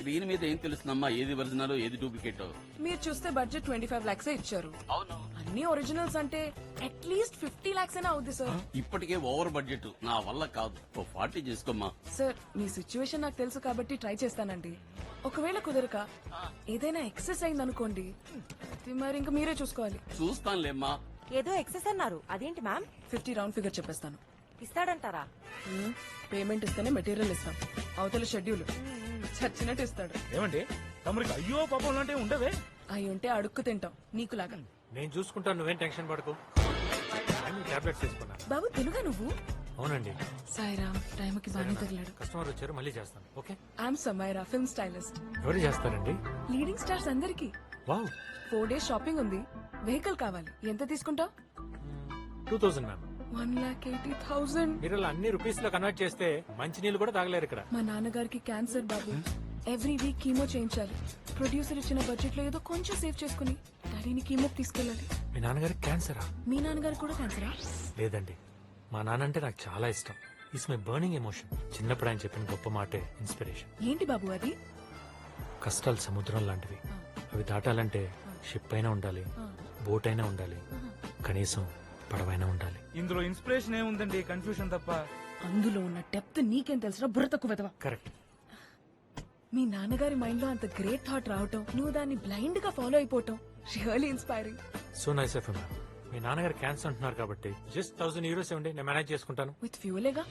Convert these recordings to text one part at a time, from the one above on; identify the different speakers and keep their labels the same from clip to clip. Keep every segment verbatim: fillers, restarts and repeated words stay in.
Speaker 1: Screen మీద ఏం తెలుస్తుందమ్మా ఏది ఒరిజినల్ ఏది డూప్లికేట్?
Speaker 2: మీరు చూస్తే బడ్జెట్ ట్వంటీ ఫైవ్ లాక్స్ ఇచ్చారు.
Speaker 1: అవును,
Speaker 2: అన్ని ఒరిజినల్స్ అంటే అట్లీస్ట్ ఫిఫ్టీ లాక్స్ అయినా అవుద్ది సార్.
Speaker 1: ఇప్పటికే ఓవర్ బడ్జెట్ నా వల్ల కాదు. ఓ ఫార్టీ చేసుకోమ్మా.
Speaker 2: సార్ మీ సిచ్యువేషన్ నాకు తెలుసు కాబట్టి ట్రై చేస్తానండి. ఒకవేళ కుదరక ఏదైనా ఎక్సెస్ అయింది అనుకోండి, అది మరి ఇంకా మీరే చూసుకోవాలి.
Speaker 1: చూస్తానులేమ్మా.
Speaker 3: ఏదో ఎక్సెస్ అన్నారు, అదేంటి మ్యామ్?
Speaker 2: ఫిఫ్టీ రౌండ్ ఫిగర్ చెప్పేస్తాను.
Speaker 3: ఇస్తాడంటారా?
Speaker 2: హ్మ్, పేమెంట్ ఇస్తేనే మెటీరియల్ ఇస్తాం. అవతల షెడ్యూల్ చచ్చినట్టు ఇస్తాడు.
Speaker 4: ఏమండి తమరికి అయ్యో పాపం లాంటివి ఉండవే?
Speaker 2: అయి ఉంటే అడుక్కు తింటాం నీకులాగా.
Speaker 5: నేను చూసుకుంటాను, నువ్వేం టెన్షన్ పడకు. టాబ్లెట్స్ తీసుకున్నా.
Speaker 2: బాబు తెలుగా నువ్వు?
Speaker 5: అవునండి.
Speaker 2: సాయిరామ్ టైంకి బాగానే తగిలాడు.
Speaker 5: కస్టమర్ వచ్చారు, మళ్ళీ చేస్తాను. Okay.
Speaker 2: I'm Samaira, film stylist.
Speaker 5: ఎవరు చేస్తారండి?
Speaker 2: లీడింగ్ స్టార్స్ అందరికి.
Speaker 5: వావ్,
Speaker 2: ఫోర్ డేస్ షాపింగ్ ఉంది. వెహికల్ కావాలి. ఎంత తీసుకుంటావు?
Speaker 5: Two thousand ma'am.
Speaker 2: One lakh eighty thousand.
Speaker 5: మీరు ఇలా అన్ని రూపీస్ లో కన్వర్ట్ చేస్తే మంచి నీళ్ళు కూడా తాగలేరు ఇక్కడ.
Speaker 2: మా నాన్నగారికి క్యాన్సర్ బాబు. ఎవ్రీ వీక్ కీమో చేయించాలి. ప్రొడ్యూసర్ ఇచ్చిన బడ్జెట్ లో ఏదో కొంచెం సేవ్ చేసుకుని డాడీని కీమోకి తీసుకెళ్ళాలి.
Speaker 5: మీ నాన్నగారికి క్యాన్సరా?
Speaker 2: మీ నాన్నగారికి కూడా క్యాన్సరా?
Speaker 5: లేదండి, మా నాన్న అంటే నాకు చాలా ఇష్టం. It's my burning emotion. చిన్నప్పుడు ఆయన చెప్పిన గొప్ప మాటే ఇన్స్పిరేషన్.
Speaker 2: ఏంటి బాబు అది?
Speaker 5: కష్టాలు సముద్రం లాంటివి. అవి దాటాలంటే షిప్ అయినా ఉండాలి, బోట్ అయినా ఉండాలి, కనీసం పడవైనా ఉండాలి.
Speaker 4: ఇందులో ఇన్స్పిరేషన్ ఏముందండి, కన్ఫ్యూషన్ తప్ప.
Speaker 2: అందులో ఉన్న డెప్త్ నీకేం తెలుసురా బుర్ర తక్కువ వెధవా.
Speaker 5: కరెక్ట్.
Speaker 2: మీ నాన్నగారి మైండ్ లో అంత గ్రేట్ థాట్ రావటం, నువ్వు దాన్ని బ్లైండ్ గా ఫాలో అయిపోవటం really inspiring.
Speaker 5: So nice of you ma'am. మీ నాన్నగారు క్యాన్సర్ అంటున్నారు కాబట్టి జస్ట్ థౌసండ్ యూరోస్ ఇవ్వండి, నేను మేనేజ్ చేసుకుంటాను.
Speaker 2: విత్ ఫ్యూలేగా.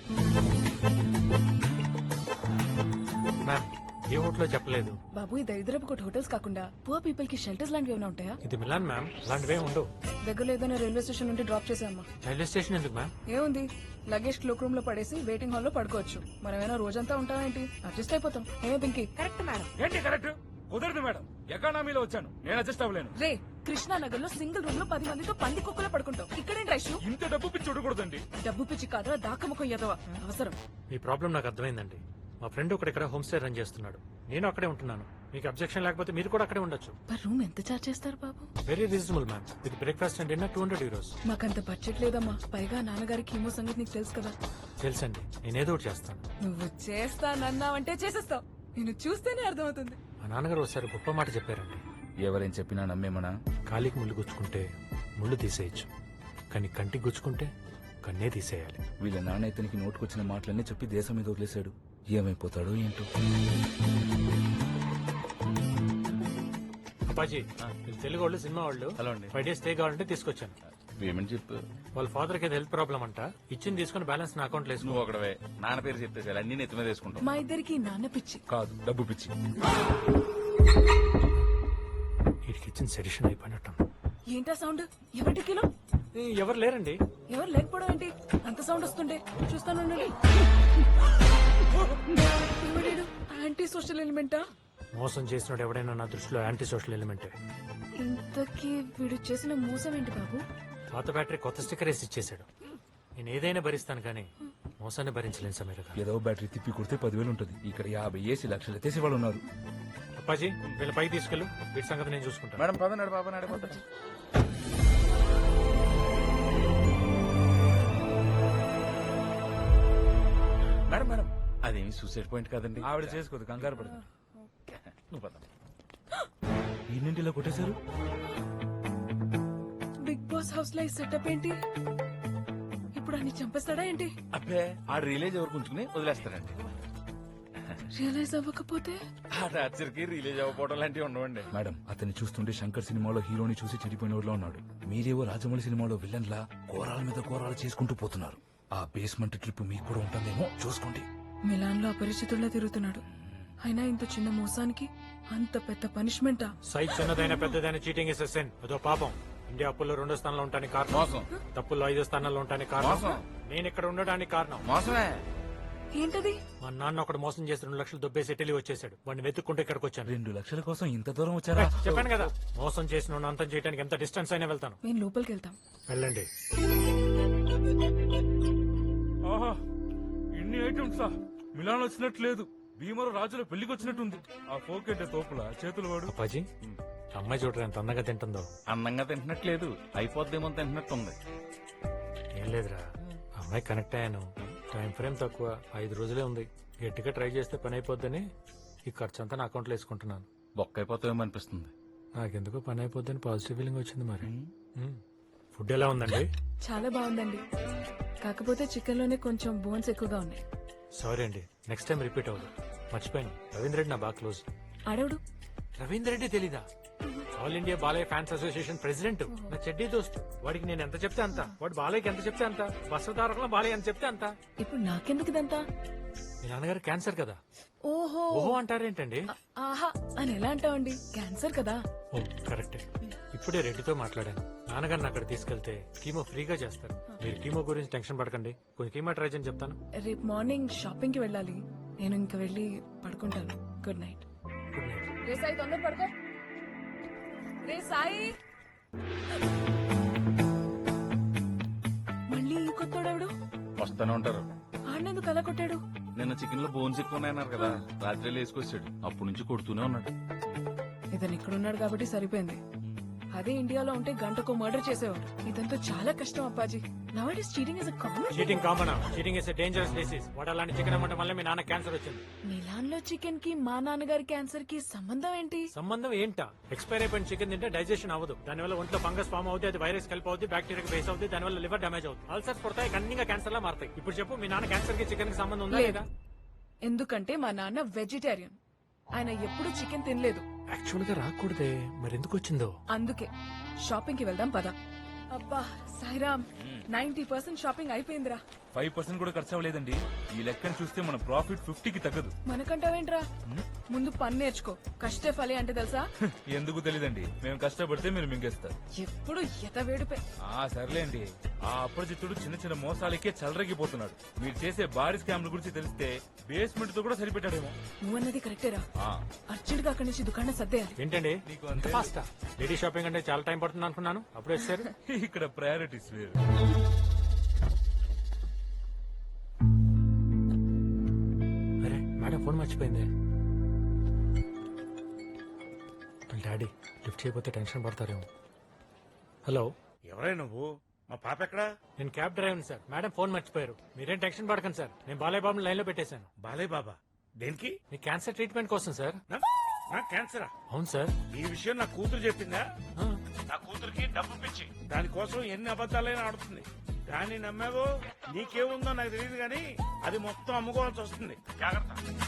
Speaker 5: మ్యామ్, ఏ హోటల్లో చెప్పలేదు.
Speaker 2: బాబు ఈ దరిద్రపు కొట్టి హోటల్స్ కాకుండా పువర్ పీపుల్ కి షెల్టర్స్ లాంటివి ఏమైనా ఉంటాయా?
Speaker 5: ఇది మిలాన్ మ్యామ్, అలాంటివే ఉండవు.
Speaker 2: దగ్గరలో ఏదైనా రైల్వే స్టేషన్ నుండి డ్రాప్ చేసామ్మా.
Speaker 5: రైల్వే స్టేషన్ ఎందుకు మ్యామ్?
Speaker 2: ఏముంది, లగేజ్ క్లోక్ రూమ్ లో పడేసి వెయిటింగ్ హాల్ లో పడుకోవచ్చు. మనమేనా రోజంతా ఉంటామేంటి? అడ్జస్ట్ అయిపోతాం. ఏమే పింకి?
Speaker 3: Correct madam.
Speaker 4: ఏంటి కరెక్ట్? కుదరదు మేడం, ఎకానమీలో వచ్చాను, నేను అడ్జస్ట్ అవ్వలేను.
Speaker 2: రే, కృష్ణానగర్ లో సింగిల్ రూమ్ లో పది మందితో పంది కుక్కలో పడుకుంటాం. ఇక్కడేం రైషు?
Speaker 4: ఇంత డబ్బు పిచ్చి చూడకూడదండి.
Speaker 2: డబ్బు పిచ్చి కాదురా, దాకముఖం ఎదవా. అవసరం.
Speaker 5: మీ ప్రాబ్లం నాకు అర్థమైందండి. మా ఫ్రెండ్ ఒకటి ఇక్కడ హోమ్ స్టే రన్ చేస్తున్నాడు, నేను అక్కడే ఉంటున్నాను. మీకు అబ్జెక్షన్ లేకపోతే మీరు కూడా అక్కడే ఉండొచ్చు.
Speaker 2: పర్ రూమ్ ఎంత చార్జ్ చేస్తారు బాబు?
Speaker 5: Very reasonable ma'am. With breakfast and dinner two hundred euros.
Speaker 2: మాకంత బడ్జెట్ లేదమ్మా. పైగా నాన్నగారికి కీమో సంగతి నీకు తెలుసు కదా.
Speaker 5: తెలుసండి, నేనేదో ఒకటి చేస్తాను.
Speaker 2: నువ్వు చేస్తానన్నావంటే చేసేస్తావు. నేను చూస్తేనే అర్థమవుతుంది.
Speaker 5: మా నాన్నగారు ఒకసారి గొప్ప మాట చెప్పారండి.
Speaker 6: ఎవరేం చెప్పినా నమ్మేమనా?
Speaker 5: కాలికి ముళ్ళు గుచ్చుకుంటే ముళ్ళు తీసేయచ్చు, కానీ కంటికి గుచ్చుకుంటే కన్నే తీసేయాలి.
Speaker 6: వీళ్ళ నాన్న ఇతనికి నోటుకొచ్చిన మాటలన్నీ చెప్పి దేశం మీద వదిలేశాడు. ఏమైపోతాడో ఏంటో.
Speaker 5: అప్పాజీ, వీళ్ళు తెలుగు వాళ్ళు, సినిమా వాళ్ళు.
Speaker 6: హలో అండి.
Speaker 5: ఫైవ్ డేస్ స్టే కావాలంటే తీసుకొచ్చాను.
Speaker 6: పేమెంట్ చెప్పు.
Speaker 5: వాళ్ళ ఫాదర్ కి హెల్త్ ప్రాబ్లం అంట. ఇచ్చింది తీసుకుని బ్యాలెన్స్ నా అకౌంట్ లో వేసుకో.
Speaker 6: నువ్వు ఒకడవే నాన్న పేరు చెప్తే చాలు, అన్ని నెత్తి మీద వేసుకుంటావు.
Speaker 2: మా ఇద్దరికి నాన్న పిచ్చి
Speaker 6: కాదు, డబ్బు పిచ్చి.
Speaker 5: వీడికి ఇచ్చిన సెడిషన్ అయిపోయినట్టు.
Speaker 2: ఏంటా సౌండ్? ఎవరి కిలో?
Speaker 5: ఎవరు లేరండి.
Speaker 2: ఎవరు లేకపోవడం ఏంటి? అంత సౌండ్ వస్తుండే చూస్తాను. ఎవడేడు? యాంటీ సోషల్ ఎలిమెంటా?
Speaker 5: మోసం చేసినోడు ఎవడైనా నా దృష్టిలో యాంటీ సోషల్ ఎలిమెంటే.
Speaker 2: ఇంతకీ వీడు చేసిన మోసం ఏంటి బాబు?
Speaker 5: పాత బ్యాటరీ కొత్త స్టిక్కర్ వేసి ఇచ్చేసాడు. నేను ఏదైనా భరిస్తాను కానీ మోసాన్ని భరించలేను సమీర గారు.
Speaker 6: ఏదో బ్యాటరీ తిప్పి కొడితే పదివేలు ఉంటుంది. ఇక్కడ యాభై ఏసీ లక్షలు ఎత్తేసి వాళ్ళు ఉన్నారు.
Speaker 5: అప్పాజీ, వీళ్ళ పైకి తీసుకెళ్ళు. వీటి సంగతి నేను చూసుకుంటాను.
Speaker 6: మేడం పదనాడు బాబా నడిపోతా. మేడం మేడం అదేమి సూసైడ్ పాయింట్ కాదండి. ఆవిడ చేసుకోదు, కంగారు పడుతుంది. నువ్వు పద. ఎన్నింటిలో కొట్టేశారు?
Speaker 2: బిగ్ బాస్ హౌస్ లో సెటప్ ఏంటి? ఇప్పుడు అన్ని చంపేస్తాడా ఏంటి?
Speaker 6: అబ్బే, ఆ రిలేజ్ ఎవరు ఉంచుకుని వదిలేస్తారండి.
Speaker 2: రియలైజ్ అవ్వకపోతే?
Speaker 6: ఆ టార్చర్ కి రిలీజ్ అవ్వకపోవడం లాంటివి ఉండవండి. మేడం, అతన్ని చూస్తుంటే శంకర్ సినిమాలో హీరోని చూసి చెడిపోయిన వాళ్ళ ఉన్నాడు. మీరేవో రాజమౌళి సినిమాలో విలన్ లా కోరాల మీద కోరాలు చేసుకుంటూ పోతున్నారు. ఆ బేస్మెంట్ ట్రిప్ మీకు కూడా ఉంటుందేమో చూసుకోండి.
Speaker 2: మిలాన్ లో అపరిచితుల్లా తిరుగుతున్నాడు. అయినా ఇంత చిన్న మోసానికి అంత పెద్ద పనిష్మెంటా?
Speaker 5: సైజ్ చిన్నదైన పెద్దదైన చీటింగ్ ఇస్ సెన్. అదో పాపం. ఇండియా అప్పుల్లో రెండో స్థానంలో ఉంటానికి కారణం
Speaker 6: మోసం.
Speaker 5: తప్పుల్లో ఐదో స్థానంలో ఉంటానికి కారణం
Speaker 6: మోసం.
Speaker 5: నేను ఇక్కడ ఉండడానికి కారణం
Speaker 6: మోసమే.
Speaker 2: ఏంటది?
Speaker 5: మా నాన్న ఒకటి మోసం చేసి రెండు లక్షలు దొబ్బేసి ఇటలీ వచ్చేసాడు. వాడిని వెతుక్కుంటే ఇక్కడికి వచ్చాను.
Speaker 6: రెండు లక్షల కోసం ఇంత దూరం వచ్చారా?
Speaker 5: చెప్పాను కదా, మోసం చేసిన అంతం చేయడానికి ఎంత డిస్టెన్స్ అయినా వెళ్తాను.
Speaker 2: మేము లోపలికి వెళ్తాం.
Speaker 5: వెళ్ళండి.
Speaker 4: ఆహా, ఇన్ని ఐటమ్సా? మిలాన్ వచ్చినట్టు లేదు, భీమరు రాజుల పెళ్లికి వచ్చినట్టుంది. ఆ ఫోకెట్ తోపుల చేతులు వాడు.
Speaker 5: అప్పాజీ, అమ్మాయి చూడరా ఎంత అందంగా తింటుందో.
Speaker 6: అందంగా తింటున్నట్లేదు, అయిపోద్దేమో తింటున్నట్టుంది.
Speaker 5: ఏం లేదురా, అమ్మాయి కనెక్ట్ అయ్యాను. టైం ఫ్రేమ్ తక్కువ, ఐదు రోజులే ఉంది. గట్టిగా ట్రై చేస్తే పని అయిపోద్దని ఈ ఖర్చు అంతా నా అకౌంట్లో వేసుకుంటున్నాను.
Speaker 6: బొక్క అయిపోతామేమో అనిపిస్తుంది.
Speaker 5: నాకెందుకో పని అయిపోద్దని పాజిటివ్ ఫీలింగ్ వచ్చింది మరి. మ్మ్. ఫుడ్ ఎలా ఉందండి?
Speaker 2: చాలా బాగుందండి, కాకపోతే చికెన్ లోనే కొంచెం బోన్స్ ఎక్కువగా ఉన్నాయి.
Speaker 5: సారీ అండి, నెక్స్ట్ టైం రిపీట్ అవ్వదు. మర్చిపోయాను, రవీంద్ర రెడ్డి నా బాగా క్లోజ్.
Speaker 2: అడవుడు
Speaker 5: రవీంద్ర రెడ్డి తెలీదా? All India Balayya fans association president, నా చెడ్డీ దోస్త్. వాడికి నేను ఎంత చెప్తే అంత, వాడు బాలయ్యకి ఎంత చెప్తే అంత, వస్త్రధారకులు బాలయ్య ఎంత చెప్తే అంత.
Speaker 2: ఇప్పుడు నాకెందుకు ఇదంతా?
Speaker 5: మీ నాన్నగారు క్యాన్సర్ కదా.
Speaker 2: ఓహో
Speaker 5: ఓహో అంటారేంటండి?
Speaker 2: ఆహా అని ఎలా అంటావండి, క్యాన్సర్ కదా.
Speaker 5: ఓ కరెక్టే. ఇప్పుడే రెడ్డితో మాట్లాడాను. నాన్నగారిని అక్కడ తీసుకెళ్తే కీమో ఫ్రీగా చేస్తారు. మీరు కీమో గురించి టెన్షన్ పడకండి, కొంచెం కీమో ట్రై చేయని చెప్తాను.
Speaker 2: రేపు మార్నింగ్ షాపింగ్ కి వెళ్ళాలి, నేను ఇంకా వెళ్ళి పడుకుంటాను. Good night.
Speaker 5: Good night.
Speaker 2: రే సాయి తొందర పడుకో. రే సాయి, మళ్ళీ ఈ కొత్తోడెవడు?
Speaker 6: వస్తానే ఉంటారు.
Speaker 2: ఆడినందుకు అలా కొట్టాడు?
Speaker 6: నిన్న చికెన్ లో బోన్స్ ఎక్కువ ఉన్నాయన్నారు కదా, రాత్రి వేసుకొచ్చాడు. అప్పటి నుంచి కొడుతూనే ఉన్నాడు.
Speaker 2: ఇతను ఇక్కడ ఉన్నాడు కాబట్టి సరిపోయింది. అదే ఇండియాలో ఉంటే గంటకు మర్డర్ చేసేవాడు. ఇదంతా చాలా కష్టం అప్పాజీ. Now it is cheating is a common.
Speaker 5: Cheating common. Cheating is dangerous disease. వాడు అలాంటి చికెన్ అమ్మటం వల్ల మీ నాన్న క్యాన్సర్ వచ్చింది.
Speaker 2: మిలాన్ లో చికెన్ కి మా నాన్నగారి క్యాన్సర్ కి సంబంధం ఏంటి?
Speaker 5: సంబంధం ఏంటా? ఎక్స్పైర్ అయిపోయిన చికెన్ తింటే డైజెషన్ అవ్వదు, దానివల్ల ఒంట్లో ఫంగస్ ఫామ్ అవుతుంది, అది వైరస్ కలిపి అవుతుంది, బ్యాక్టీరియా బేస్ అవుతుంది, దానివల్ల లివర్ డ్యామేజ్ అవుతుంది, అల్సర్స్ పడతాయి, కన్నీగా క్యాన్సర్ లా మారుతాయి. ఇప్పుడు చెప్పు, మీ నాన్న క్యాన్సర్ కి చికెన్ కి సంబంధం ఉందా
Speaker 2: లేదు.
Speaker 5: లేదా?
Speaker 2: ఎందుకంటే మా నాన్న వెజిటేరియన్, ఆయన ఎప్పుడు చికెన్ తినలేదు.
Speaker 5: యాక్చువల్ గా రాకూడదే, మరి ఎందుకు వచ్చిందో?
Speaker 2: అందుకే షాపింగ్ కి వెళ్దాం పద. అబ్బా సాయిరామ్, నైన్టీ పర్సెంట్ షాపింగ్ అయిపోయిందిరా.
Speaker 4: ఫైవ్ పర్సెంట్ కూడా ఖర్చు అవ్వలేదండి. ఈ లెక్కను చూస్తే మన ప్రాఫిట్ ఫిఫ్టీకి తగ్గదు.
Speaker 2: మనకంటావేంట్రా? ముందు పని నేర్చుకో. కష్టే ఫలి అంటే తెలుసా?
Speaker 4: ఎందుకు తెలీదండి, మేము కష్టపడితే మీరు మింగేస్తారు.
Speaker 2: ఎప్పుడు ఎత వేడిపే.
Speaker 4: ఆ సర్లేండి, ఆ అప్రజిత్తుడు చిన్న చిన్న మోసాలకే చలరగిపోతున్నాడు. మీరు చేసే భారీ స్కామ్ల గురించి తెలిస్తే బేస్మెంట్ తో కూడా సరిపెట్టాడేమో.
Speaker 2: నువ్వన్నది కరెక్టేరా.
Speaker 4: ఆ,
Speaker 2: అర్జెంట్ గా అక్కడి నుంచి దుకాణం సర్దేయాలి.
Speaker 5: ఏంటండి
Speaker 4: నీకు అంతే.
Speaker 5: ఫాస్ట్ లేడీ షాపింగ్ అంటే చాలా టైం పడుతుంది అనుకున్నాను, అప్పుడు వచ్చారు.
Speaker 4: ఇక్కడ ప్రయారిటీస్ వేరు.
Speaker 5: అరే మేడం ఫోన్ మర్చిపోయింది. డాడీ లిఫ్ట్ చేయకపోతే టెన్షన్ పడతారేమో. హలో,
Speaker 7: ఎవరై నువ్వు? మా పాప ఎక్కడా?
Speaker 5: నేను cab driver sir. Madam phone మర్చిపోయారు. మీరేం టెన్షన్ పడకండి సార్, నేను బాలయ్య బాబుని లైన్ లో పెట్టేశాను.
Speaker 7: బాలయ్య బాబా దేనికి?
Speaker 5: మీ క్యాన్సర్ ట్రీట్మెంట్ కోసం సార్.
Speaker 7: నా- నా క్యాన్సరా?
Speaker 5: అవును సార్.
Speaker 7: ఈ విషయం నా కూతురు చెప్పిందా?
Speaker 5: ఆ,
Speaker 7: నా కూతురికి డబ్బు పిచ్చి, దానికోసం ఎన్ని అబద్ధాలైనా ఆడుతుంది. దాన్ని నమ్మావో నీకేముందో నాకు తెలియదు కానీ అది మొత్తం అమ్ముకోవాల్సి వస్తుంది. జాగ్రత్త.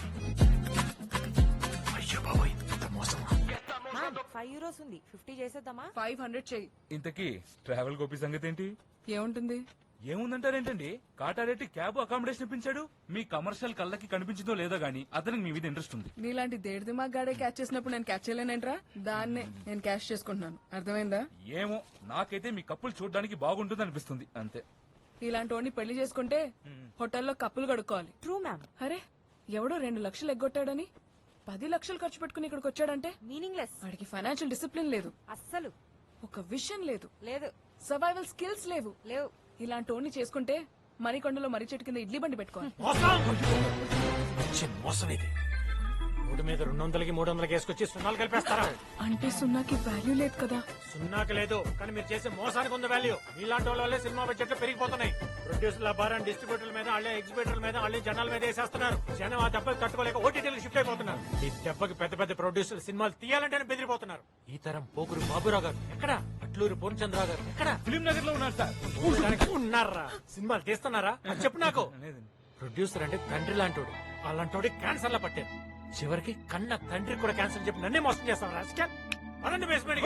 Speaker 5: అయ్యో బాబోయ్, ఇంత మోసమా?
Speaker 3: మ్యామ్ ఫైవ్ యూరోస్ ఉంది, ఫిఫ్టీ చేసేద్దామా?
Speaker 2: ఫైవ్ హండ్రెడ్ చెయ్యి.
Speaker 4: ఇంతకీ ట్రావెల్ గోపి సంగతి ఏంటి?
Speaker 2: ఏముంటుంది?
Speaker 4: ఏముందంటారేంటండి, కాటారెడ్డి క్యాబ్ అకామిడేషన్ ఇప్పించాడు. మీ కమర్షియల్ కళ్ళకి కనిపించిందో లేదో గానీ అతనికి మీ మీద ఇంట్రెస్ట్ ఉంది.
Speaker 2: నీలాంటి దేడి దిమాగ్ గాడే క్యాచ్ చేసినప్పుడు నేను క్యాచ్ చేయలేనేంట్రా? దాన్నే నేను క్యాష్ చేసుకుంటున్నాను. అర్థమైందా?
Speaker 4: ఏమో, నాకైతే మీ కప్పులు చూడడానికి బాగుంటుంది అనిపిస్తుంది అంతే.
Speaker 2: ఇలాంటి వాడిని పెళ్లి చేసుకుంటే హోటల్లో కప్పులు కడుక్కోవాలి.
Speaker 3: True ma'am.
Speaker 2: అరే ఎవడో రెండు లక్షలు ఎగ్గొట్టాడని పది లక్షలు ఖర్చు పెట్టుకుని ఇక్కడికి వచ్చాడంటే
Speaker 3: మీనింగ్ లెస్.
Speaker 2: వాడికి ఫైనాన్షియల్ డిసిప్లిన్ లేదు,
Speaker 3: అస్సలు
Speaker 2: ఒక విషన్ లేదు,
Speaker 3: లేదు.
Speaker 2: సర్వైవల్ స్కిల్స్ లేవు.
Speaker 3: లేవు.
Speaker 2: ఇలాంటి వాడిని చేసుకుంటే మరికొండలో మర్రి చెట్టు కింద ఇడ్లీ బండి పెట్టుకోవాలి.
Speaker 5: మంచి మోసం ఇది. మూడు మీద రెండు వందలకి మూడు వందలకి వేసుకొచ్చి సున్నాలు కలిపేస్తారా?
Speaker 2: అంటే సున్నాకి వాల్యూ లేదు కదా.
Speaker 5: సున్నాకి లేదు, కానీ మీరు చేసే మోసానికి ఉంది వాల్యూ. మీలాంటి వాళ్ళ వల్లే సినిమా బడ్జెట్లు పెరిగిపోతున్నాయి. ప్రొడ్యూసర్ల భారాన్ని డిస్ట్రిబ్యూటర్ల మీద, వాళ్ళే ఎగ్జిబిటర్ల మీద, వాళ్ళే జనాల మీద వేసేస్తున్నారు. జనం ఆ దెబ్బకి తట్టుకోలేక ఓటీటీలకు షిఫ్ట్ అయిపోతున్నారు. ఈ దెబ్బకి పెద్ద పెద్ద ప్రొడ్యూసర్ సినిమాలు తీయాలంటేనే బెదిరిపోతున్నారు. ఈ తరం పోకురు బాబురావు గారు ఎక్కడ, అట్లూరు పూర్ణచంద్రరావు గారు ఎక్కడ,
Speaker 4: ఫిలిం నగర్ లో ఉన్నారు సార్.
Speaker 5: చూడడానికి ఉన్నారా? సినిమాలు తీస్తున్నారా? అది చెప్పు నాకు.
Speaker 4: లేదండి.
Speaker 5: ప్రొడ్యూసర్ అంటే తండ్రి లాంటోడు, అలాంటోడి క్యాన్సర్ లా పట్టారు. చివరికి కన్న తండ్రి కూడా క్యాన్సర్ చెప్పి నన్నే మోసం చేస్తాను. రాజకీయ అనండి బేస్మెంట్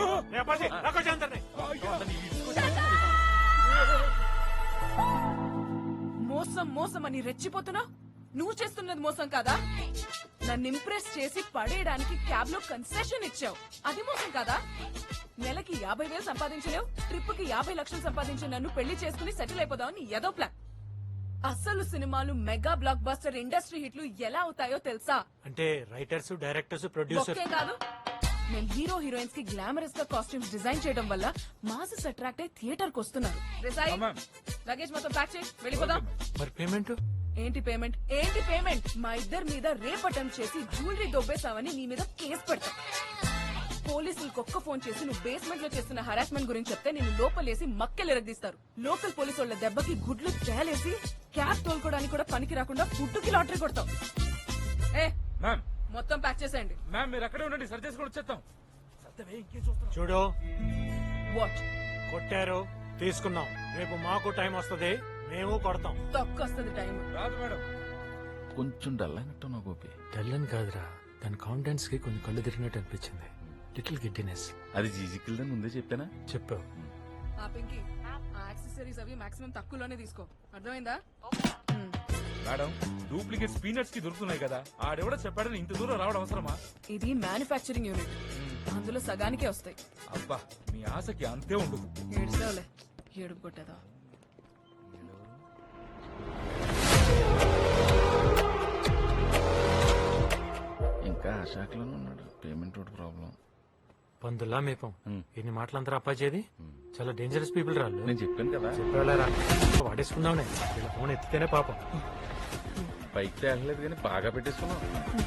Speaker 2: మోసం మోసం అని రెచ్చిపోతున్నా? నువ్వు చేస్తున్నది మోసం కాదా? నన్ను ఇంప్రెస్ చేసి పడేయడానికి క్యాబ్ లో కన్సెషన్ ఇచ్చావు, అది మోసం కాదా? నెలకి యాభై వేలు సంపాదించలేవు, ట్రిప్ కి యాభై లక్షలు సంపాదించి నన్ను పెళ్లి చేసుకుని సెటిల్ అయిపోదామని ఏదో ప్లాన్. అసలు సినిమాలు మెగా బ్లాక్ బస్టర్ ఇండస్ట్రీ హిట్లు ఎలా అవుతాయో తెలుసా?
Speaker 5: అంటే రైటర్స్, డైరెక్టర్స్, ప్రొడ్యూసర్
Speaker 2: ఒకే కాదు, మేము హీరో హీరోయిన్స్ కి గ్లామరస్ గా కాస్ట్యూమ్స్ డిజైన్ చేయడం వల్ల మాసెస్ అట్రాక్ట్ అయ్యి థియేటర్ కు వస్తున్నారు. రిజాయి, లగేజ్ మొత్తం ప్యాక్ చేయి, వెళ్ళిపోదాం.
Speaker 5: మరి పేమెంట్
Speaker 2: ఏంటి పేమెంట్? ఏంటి పేమెంట్? మా ఇద్దరి మీద రేప్ అటెంప్ట్ చేసి జ్యువెలరీ దొబ్బేసావని నీ మీద కేసు పెడతాం. పోలీసులకు ఒక్క ఫోన్ చేసి నువ్వు బేస్మెంట్ లో చేస్తున్న హరాస్మెంట్ గురించి చెప్తే నేను లోపలేసి మక్కెలు ఎరగదీస్తారు. లోకల్ పోలీసు వాళ్ళ దెబ్బకి గుడ్లు తేలేసి క్యాబ్ తోలుకోవడానికి కూడా పనికి రాకుండా ఫుడ్ కి లాటరీ కొడతావు. ఏ
Speaker 4: మ్యామ్
Speaker 2: మొత్తం ప్యాక్ చేసేయండి.
Speaker 4: మ్యామ్ మీరు అక్కడే ఉండండి, సరి చేసుకొని వచ్చేస్తాం. సత్యవే ఇంకేం చూస్తున్నావు?
Speaker 5: చూడు
Speaker 2: వాట్
Speaker 5: కొట్టారు తీసుకున్నాం, రేపు మాకు టైం వస్తది, మేము కొడతాం.
Speaker 2: తొక్కొస్తుంది టైం.
Speaker 4: రాదు మేడం.
Speaker 6: కొంచెం డల్ అయినట్టు నా గోపి.
Speaker 5: తెల్లని కాదురా, దాని కాన్ఫిడెన్స్ కి కొంచెం కళ్ళు తిరిగినట్టు అనిపించింది. Little giddiness.
Speaker 6: అది జీజికిల్దని ముందే చెప్పానా?
Speaker 5: చెప్పావు.
Speaker 2: ఆ పింకి ఆ యాక్సెసరీస్ అవి మాక్సిమం తక్కువలోనే తీసుకో, అర్థమైందా? మ్.
Speaker 4: మేడం డూప్లికేట్ పీనట్స్ కి దొరుకుతున్నాయి కదా, ఆడెవడో చెప్పాడని ఇంత దూరం రావడం అవసరమా?
Speaker 2: ఇది మ్యానుఫ్యాక్చరింగ్ యూనిట్, అందులో సగానికే వస్తాయి.
Speaker 4: అబ్బా మీ ఆశకి అంతే ఉండదు.
Speaker 2: ఏడుస్తావులే, ఏడుపు కొట్టేదా.
Speaker 6: ఇంకా ఆ శాఖలోనే ఉన్నాడు. పేమెంట్ ఒకటి ప్రాబ్లం.
Speaker 5: పందుల్లా మేపం. ఎన్ని మాటలంతా అప్పాచేది. చాలా డేంజరస్ పీపుల్ రాళ్ళు.
Speaker 6: నేను చెప్పాను కదా,
Speaker 5: చెప్పేవాళ్ళరా వాడేసుకుందాంలే. వీళ్ళ ఫోన్ ఎత్తితేనే పాపం.
Speaker 6: పైకి తేగలేదు కానీ బాగా పెట్టేసుకున్నాం.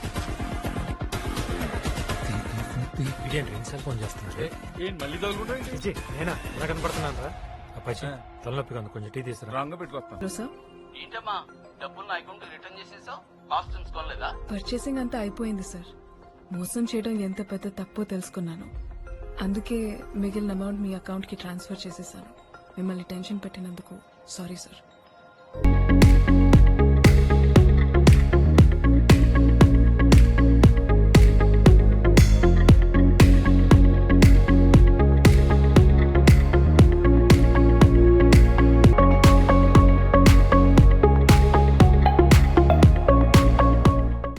Speaker 5: ఇదేంటి రెండుసార్లు ఫోన్ చేస్తున్నాడు.
Speaker 6: ఏంటి మళ్ళీ తగులుకుంటా?
Speaker 5: విజయ్, నేనా ఎలా కనపడుతున్నాను రా? అప్పాచి తలనొప్పిగా ఉంది, కొంచెం టీ తీసుకురా.
Speaker 6: రాంగ్ పెట్టుకొస్తాను.
Speaker 2: హలో సార్,
Speaker 1: ఏంటమ్మా డబ్బులు నా అకౌంట్ రిటర్న్ చేసేసావు? కాస్ట్యూమ్స్ కొనలేదా?
Speaker 2: పర్చేసింగ్ అంతా అయిపోయింది సార్. మోసం చేయడం ఎంత పెద్ద తప్పో తెలుసుకున్నాను, అందుకే మిగిలిన అమౌంట్ మీ అకౌంట్ కి ట్రాన్స్ఫర్ చేసేసాను. మిమ్మల్ని టెన్షన్ పెట్టినందుకు సారీ సార్.